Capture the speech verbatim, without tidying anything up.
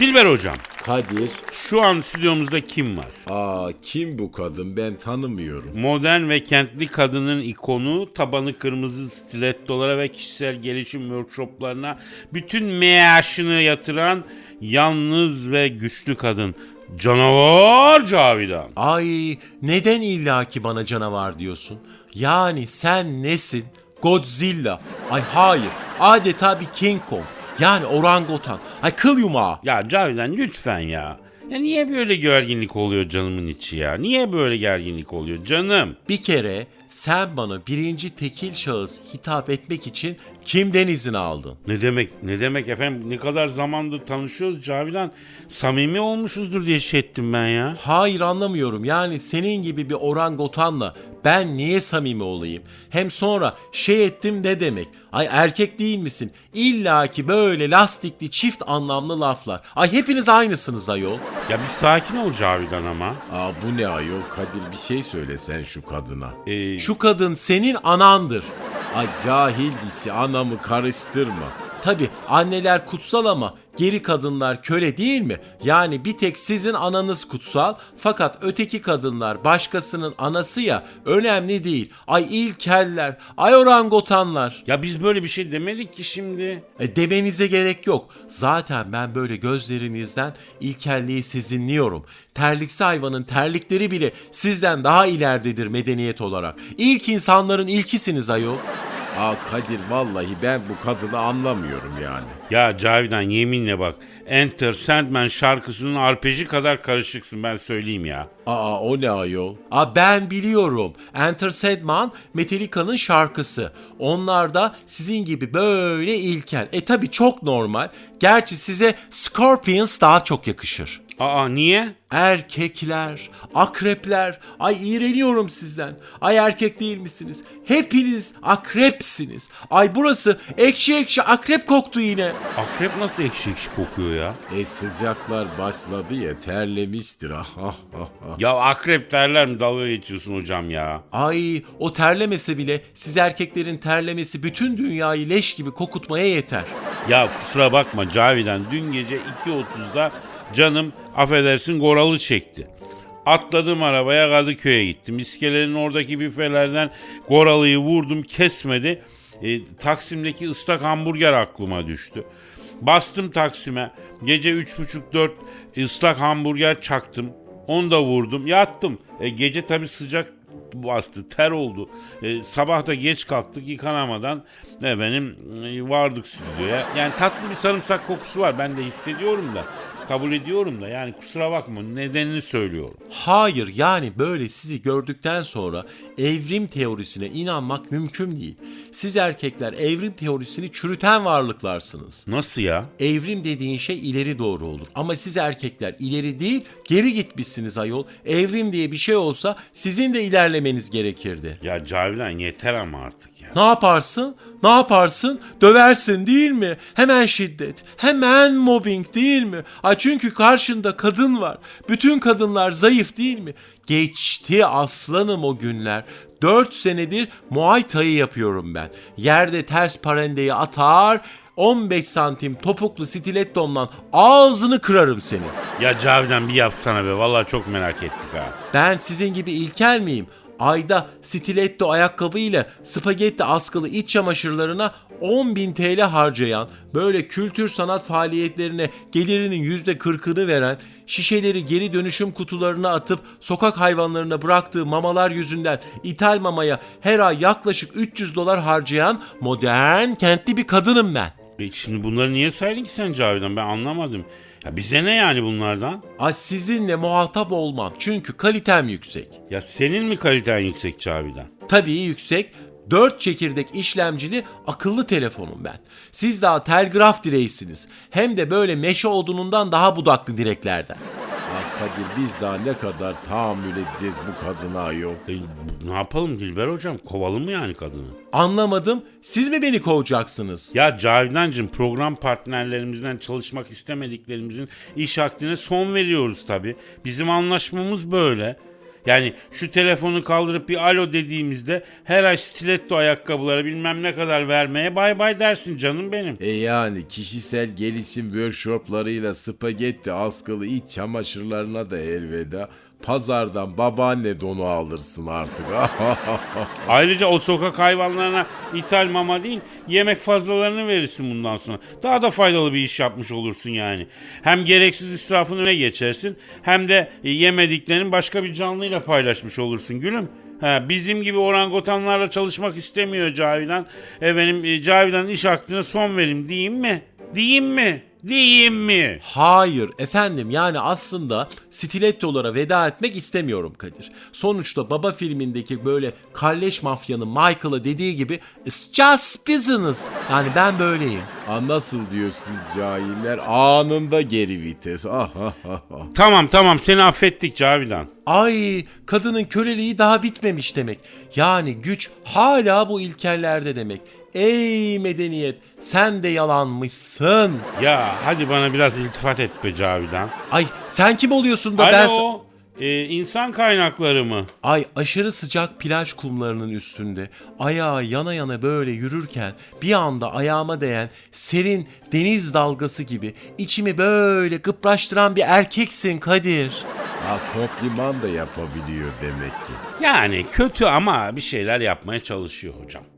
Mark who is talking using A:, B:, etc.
A: Dilber hocam,
B: Kadir.
A: şu an stüdyomuzda kim var?
B: Aa, kim bu kadın, ben tanımıyorum.
A: Modern ve kentli kadının ikonu, tabanı kırmızı stilettolara ve kişisel gelişim workshoplarına bütün meaşını yatıran yalnız ve güçlü kadın. Canavar Cavidan.
B: Ay, neden illaki bana canavar diyorsun? Yani sen nesin? Godzilla. Ay hayır, adeta bir King Kong. Yani orangutan. Ay kıl yumağı.
A: Ya Cavidan lütfen ya. Ya niye böyle gerginlik oluyor canımın içi ya? Niye böyle gerginlik oluyor canım?
B: Bir kere sen bana birinci tekil şahıs hitap etmek için kimden izin aldın?
A: Ne demek ne demek efendim, ne kadar zamandır tanışıyoruz Cavidan, samimi olmuşuzdur diye şey ettim ben ya.
B: Hayır, anlamıyorum. Yani senin gibi bir orangutanla ben niye samimi olayım? Hem sonra şey ettim ne demek? Ay erkek değil misin? İlla ki böyle lastikli çift anlamlı laflar. Ay hepiniz aynısınız ayol.
A: Ya bir sakin ol Cavidan ama.
C: Aa, bu ne ayol Kadir, bir şey söyle sen şu kadına.
A: Ee,
B: Şu kadın senin anandır.
C: Ay cahil disi, anamı karıştırma.
B: Tabi anneler kutsal ama geri kadınlar köle değil mi? Yani bir tek sizin ananız kutsal, fakat öteki kadınlar başkasının anası ya, önemli değil. Ay ilkeller, ay orangutanlar.
A: Ya biz böyle bir şey demedik ki şimdi.
B: E, demenize gerek yok. Zaten ben böyle gözlerinizden ilkelliği sezinliyorum. Terliksi hayvanın terlikleri bile sizden daha ileridedir medeniyet olarak. İlk insanların ilkisiniz ayol.
C: Aa Kadir, vallahi ben bu kadını anlamıyorum yani.
A: Ya Cavidan yeminle bak, Enter Sandman şarkısının arpeji kadar karışıksın, ben söyleyeyim ya.
C: Aa, o ne ayol?
B: Aa, ben biliyorum. Enter Sandman Metallica'nın şarkısı. Onlar da sizin gibi böyle ilkel. E tabi çok normal. Gerçi size Scorpions daha çok yakışır.
A: Aa niye?
B: Erkekler, akrepler, ay iğreniyorum sizden. Ay erkek değil misiniz? Hepiniz akrepsiniz. Ay burası ekşi ekşi akrep koktu yine.
A: Akrep nasıl ekşi ekşi kokuyor ya?
C: E sıcaklar başladı ya, terlemiştir.
A: Ya akrep derler mi, dalga geçiyorsun hocam ya?
B: Ay o terlemese bile siz erkeklerin terlemesi bütün dünyayı leş gibi kokutmaya yeter.
A: Ya kusura bakma Cavidan, dün gece iki otuzda canım affedersin goralı çekti. Atladım arabaya, Kadıköy'e gittim. İskelenin oradaki büfelerden goralıyı vurdum, kesmedi. E, Taksim'deki ıslak hamburger aklıma düştü. Bastım Taksim'e. Gece üç buçuk dört ıslak hamburger çaktım. Onu da vurdum, yattım. E, gece tabii sıcak bastı, ter oldu. E, sabah da geç kalktık, yıkanamadan efendim e, vardık stüdyoya. Yani tatlı bir sarımsak kokusu var, ben de hissediyorum da. Kabul ediyorum da, yani kusura bakma, nedenini söylüyorum.
B: Hayır, yani böyle sizi gördükten sonra evrim teorisine inanmak mümkün değil. Siz erkekler evrim teorisini çürüten varlıklarsınız.
A: Nasıl ya?
B: Evrim dediğin şey ileri doğru olur. Ama siz erkekler ileri değil geri gitmişsiniz ayol. Evrim diye bir şey olsa sizin de ilerlemeniz gerekirdi.
A: Ya Cavidan yeter ama artık ya.
B: Ne yaparsın? Ne yaparsın? Döversin değil mi? Hemen şiddet, hemen mobbing değil mi? Ay çünkü karşında kadın var. Bütün kadınlar zayıf değil mi? Geçti aslanım o günler. Dört senedir Muay Thai yapıyorum ben. Yerde ters parendeyi atar, on beş santim topuklu stilettomla ağzını kırarım senin.
A: Ya Cavidan bir yapsana be, vallahi çok merak ettik ha.
B: Ben sizin gibi ilkel miyim? Ayda stiletto ayakkabıyla spagetti askılı iç çamaşırlarına on bin T L harcayan, böyle kültür sanat faaliyetlerine gelirinin yüzde kırkını veren, şişeleri geri dönüşüm kutularına atıp sokak hayvanlarına bıraktığı mamalar yüzünden ithal mamaya her ay yaklaşık üç yüz dolar harcayan modern kentli bir kadınım ben.
A: E şimdi bunları niye saydın ki sen Cavidan, ben anlamadım. Ya bize ne yani bunlardan?
B: Ay sizinle muhatap olmam çünkü kalitem yüksek.
A: Ya senin mi kaliten yüksek Cavidan?
B: Tabii yüksek. Dört çekirdek işlemcili akıllı telefonum ben. Siz daha telgraf direğisiniz. Hem de böyle meşe odunundan daha budaklı direklerden.
C: Aa Kadir, biz daha ne kadar tahammül edeceğiz bu kadına ayol?
A: E, ne yapalım Dilber hocam, kovalım mı yani kadını?
B: Anlamadım. Siz mi beni kovacaksınız?
A: Ya Cavidancığım, program partnerlerimizden çalışmak istemediklerimizin iş akdine son veriyoruz tabii. Bizim anlaşmamız böyle. Yani şu telefonu kaldırıp bir alo dediğimizde her ay stiletto ayakkabılara bilmem ne kadar vermeye bay bay dersin canım benim.
C: E yani kişisel gelişim workshoplarıyla spagetti askılı iç çamaşırlarına da elveda. Pazardan babaanne donu alırsın artık.
A: Ayrıca o sokak hayvanlarına ithal mama değil yemek fazlalarını verirsin bundan sonra. Daha da faydalı bir iş yapmış olursun yani. Hem gereksiz israfın öne geçersin hem de yemediklerini başka bir canlıyla paylaşmış olursun gülüm. Ha, bizim gibi orangutanlarla çalışmak istemiyor Cavidan. Efendim e, Cavidan'ın iş aklına son verim diyeyim mi? Diyeyim mi? Diyeyim mi?
B: Hayır efendim, yani aslında stilettolara veda etmek istemiyorum Kadir. Sonuçta Baba filmindeki böyle kalleş mafyanın Michael'a dediği gibi "It's just business." Yani ben böyleyim.
C: Ha, nasıl diyor siz cahiller? Anında geri vites. Ah, ah, ah, ah.
A: Tamam tamam seni affettik Cavidan.
B: Ay, kadının köleliği daha bitmemiş demek. Yani güç hala bu ilkellerde demek. Ey medeniyet, sen de yalanmışsın.
A: Ya hadi bana biraz iltifat et be Cavidan.
B: Ay, sen kim oluyorsun da ben...
A: Alo, e, insan kaynakları mı?
B: Ay, aşırı sıcak plaj kumlarının üstünde ayağı yana yana böyle yürürken bir anda ayağıma değen serin deniz dalgası gibi içimi böyle gıpraştıran bir erkeksin Kadir.
C: Ha, kompliman da yapabiliyor demek ki.
A: Yani kötü ama bir şeyler yapmaya çalışıyor hocam.